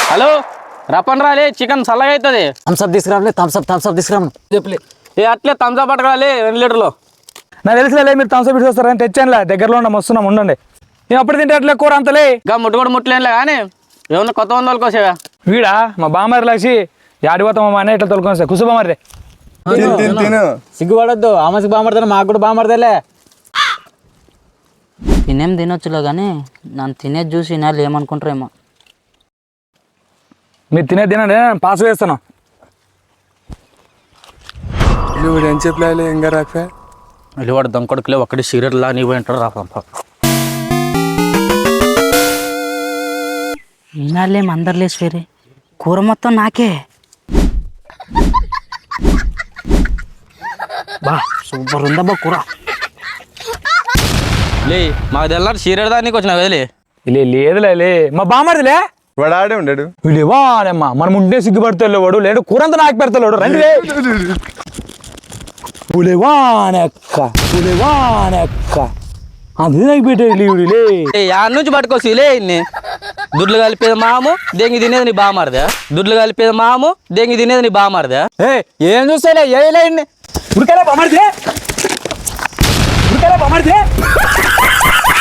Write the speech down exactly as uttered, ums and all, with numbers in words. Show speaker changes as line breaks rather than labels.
Hello రప్పన్ రాలే chicken చల్లగా అవుతుంది.
థమ్స్అప్ తీసుకురాలే థమ్స్అప్ థమ్స్అప్ తీసుకురాను చెప్పలే.
ఏ అట్లే థమ్స్అప్ పట్టుకురాలి రెండు లీటర్లు.
నాకు తెలిసిలే మీరు థమ్స్అప్ ఇటు వస్తారని తెచ్చానులే, దగ్గరలో ఉన్నాం వస్తున్నాం ఉండండి. నేను అప్పుడు తింటే అట్లే కూర అంతలే.
ఇంకా ముట్టు కూడా ముట్టలేనులే కానీ ఏమన్నా కొత్త వంద వాళ్ళకోసేవా
వీడా మా బామ్మారి లక్షి యాడిపోతాం మా అన్న ఇట్లా తొలుకొని సార్ కుసు బామ్మారి
సిగ్గుపడొద్దు, ఆమెకి బామర్దా మాకు కూడా బామర్దలే. తినేం తినొచ్చులే కానీ నన్ను తినేది చూసి వాళ్ళు ఏమనుకుంటారేమో.
మీరు తినే తినండి పాస్ వేస్తాను.
ఏం చెప్పలే ఇంకా రాక
వెళ్ళివాడు దొంగకొడుకులే ఒక్కటి సిగరెట్లా నీ పోయి అంటాడు రాపంప.
ఈనాళ్ళేం అందరులేసి వేరే కూర మొత్తం నాకే. బా సూపర్ ఉందబ్బా కూర.
లే మాకు తెల్లారు సిగరెట్ దానికి వచ్చిన వదిలే.
లే లేదులే లే మా బామ్మర్దిలే
వాడు ఆడే ఉండడు.
వీళ్ళేవా అమ్మా మనం ఉంటే సిగ్గుపడతాడు వాడు, లేడు కూరంతా నాకు పెడతాడు రండి. పులివానెక్క పులివానెక్క అది నాకు పెట్టేది వీడులే.
యాడ్ నుంచి పట్టుకోసి లే ఇన్ని దుడ్లు కలిపేది మాము దెంగి తినేది నీ బామారదా. దుడ్లు కలిపేది మాము దెంగి తినేది నీ బామారదా.
ఏ ఏం చూస్తాలే ఏలే
ఉడికాలే బామ్మర్ది ఉడికాలే బామ్మర్ది